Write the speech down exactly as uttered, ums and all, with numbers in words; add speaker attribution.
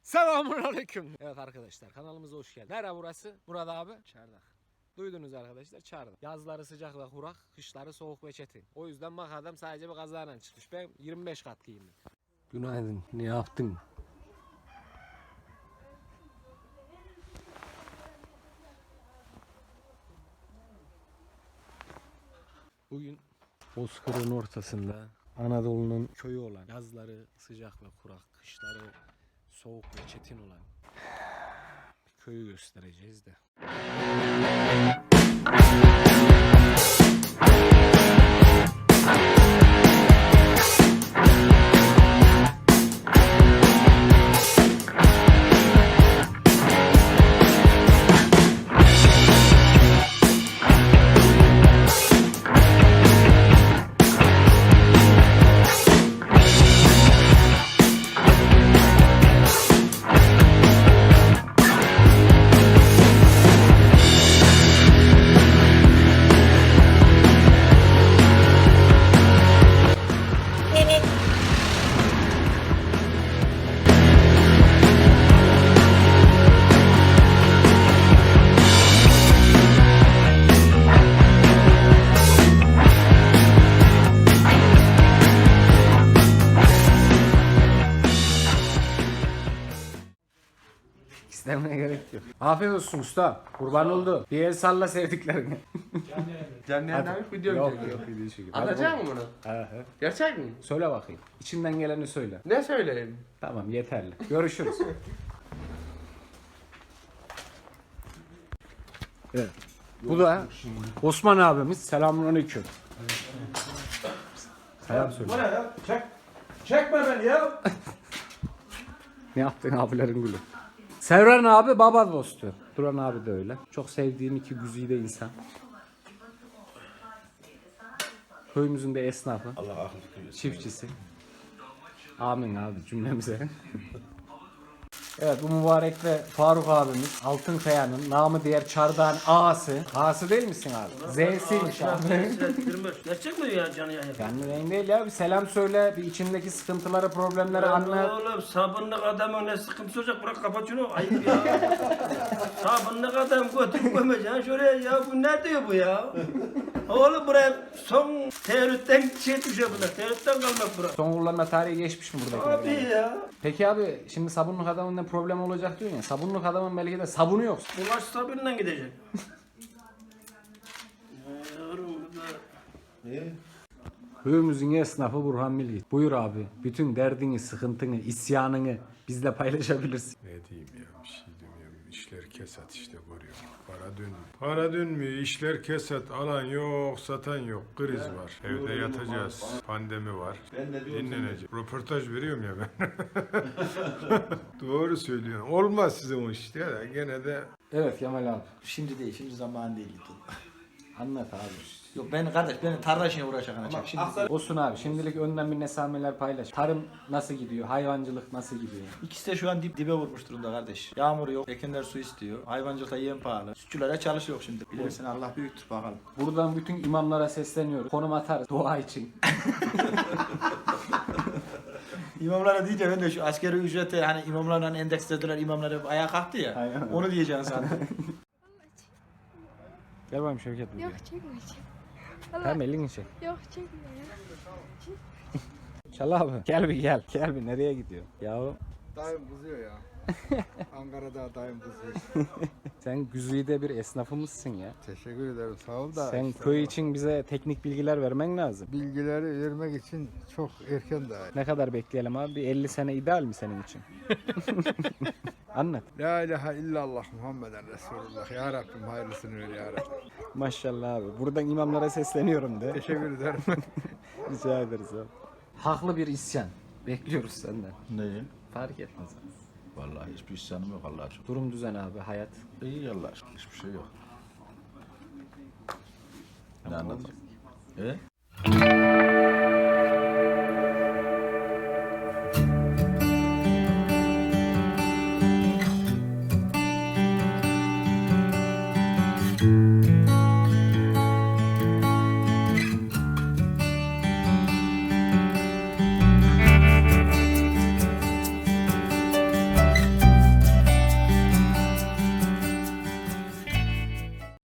Speaker 1: Selamünaleyküm. Evet arkadaşlar, kanalımıza hoş geldiniz. Nerede burası? Burada abi. Çardak. Duydunuz arkadaşlar, Çardak. Yazları sıcak ve kurak, kışları soğuk ve çetin. O yüzden bak adam sadece bir kazayla çıkmış. Ben yirmi beş kat giyindim. Günaydın. Ne yaptın? Bugün Bozkır'ın ortasında Anadolu'nun köyü olan, yazları sıcak ve kurak, kışları soğuk ve çetin olan bir köyü göstereceğiz de. İstemeye gerek yok. Afiyet olsun usta. Kurban oldu. Bir el salla sevdiklerine.
Speaker 2: Canlı yayınlar video mu
Speaker 1: Yok
Speaker 2: çekiyor?
Speaker 1: yok video çekiyor.
Speaker 2: Atacak mı bunu?
Speaker 1: He he.
Speaker 2: Gerçek mi?
Speaker 1: Söyle bakayım. İçinden geleni söyle.
Speaker 2: Ne söyleyeyim?
Speaker 1: Tamam yeterli. Görüşürüz. Evet. Bu da Osman abimiz. Selamünaleyküm. Selam söyle.
Speaker 3: Bu ne ya? Çek. Çekme beni ya.
Speaker 1: Ne yaptın abilerin gülü? Sevren abi baba dostu. Duran abi de öyle. Çok sevdiğim iki güzide insan. Köyümüzün de esnafı.
Speaker 3: Allah akıl fikir versin.
Speaker 1: Çiftçisi. Amin abi cümlemize. Evet bu mübarek ve Faruk abimiz Altınkaya'nın namı diğer Çardağın ağası. Ağası değil misin abi? Z'siymiş abi.
Speaker 4: Gerçek mi ya canı yayın?
Speaker 1: Yani renk değil ya, bir selam söyle, bir içindeki sıkıntıları, problemleri anlat.
Speaker 4: Oğlum sabunluk adamın ne sıkıntısı olacak, bırak kapat şunu, ayıp ya. Sabunluk adam götürüp koymayacaksın şuraya ya, bu ne diyor bu ya? Oğlum buraya son teoritten şey düşüyor bunlar, teoritten kalmak bura.
Speaker 1: Son kullanma tarihi geçmiş mi buradakiler?
Speaker 4: Abi
Speaker 1: yani?
Speaker 4: ya,
Speaker 1: Peki abi şimdi sabunluk adamın ne problem olacak diyorsun ya. Sabunluk adamın belki de sabunu yok.
Speaker 4: bulaş sabunla gidecek. Yavrum burada.
Speaker 3: Niye?
Speaker 1: Köyümüzün esnafı Burhan Milgit. Buyur abi, bütün derdini, sıkıntını, isyanını bizle paylaşabilirsin.
Speaker 5: Ne diyeyim ya, bir şey demiyorum. İşler kesat işte, görüyorum. Para dönmüyor. Para dönmüyor, işler kesat. Alan yok, satan yok. Kriz var. Evde yatacağız. Pandemi var.
Speaker 3: Ben de diyorum
Speaker 5: Dinleneceğiz. Röportaj veriyorum ya ben. Doğru söylüyorsun. Olmaz sizin o işte ya. Gene de
Speaker 1: Evet Kemal abi.
Speaker 6: Şimdi değil, şimdi zaman değil.
Speaker 1: Anlat abi.
Speaker 6: Yok ben kardeş, benim tarla işine uğraşacak anacak. Şimdi
Speaker 1: Olsun abi, şimdilik önden bir nesameler paylaş. Tarım nasıl gidiyor? Hayvancılık nasıl gidiyor?
Speaker 6: ikisi de şu an dip dibe vurmuş durumda kardeş. Yağmur yok, ekinler su istiyor. Hayvancılıkta yem pahalı. Sütçülere çalış yok şimdi. Bilirsin Allah büyüktür bakalım.
Speaker 1: Buradan bütün imamlara sesleniyoruz. Konum atarız dua için.
Speaker 6: İmamlara diyeceğim ben de şu askeri ücreti hani imamlarla endekslediler, imamlar hep ayağa kalktı ya.
Speaker 1: Aynen.
Speaker 6: Onu diyeceğim sandım.
Speaker 1: Gel bakayım Şevket buraya.
Speaker 7: Yok çekmeyeceğim. Allah.
Speaker 1: Tamam elini çek.
Speaker 7: Yok çekme ya.
Speaker 1: Çal abi. Gel bir gel. Gel bir, nereye gidiyor? Yahu
Speaker 8: Dayım kızıyor ya. Ankara'da dayım kızıyor.
Speaker 1: sen güzide bir esnafımızsın ya.
Speaker 8: Teşekkür ederim sağ ol da.
Speaker 1: Sen
Speaker 8: işte
Speaker 1: köy için bize teknik bilgiler vermen lazım.
Speaker 8: bilgileri vermek için çok erken daha.
Speaker 1: Ne kadar bekleyelim abi? Bir elli sene ideal mi senin için? Anlat.
Speaker 8: La ilahe illallah Muhammeden Resulullah. Ya Rabbim hayırlısını ver ya Rabbim.
Speaker 1: Maşallah abi. Buradan imamlara sesleniyorum de.
Speaker 8: Teşekkür ederim.
Speaker 1: Rica ederiz abi. Haklı bir isyan. Bekliyoruz senden.
Speaker 2: Neyi?
Speaker 1: Fark etmez.
Speaker 2: Vallahi hiçbir isyanım yok Allah'a şükür.
Speaker 1: Durum düzen abi, hayat.
Speaker 2: İyi Allah'a şükür, hiçbir şey yok. Ne anlatayım? E?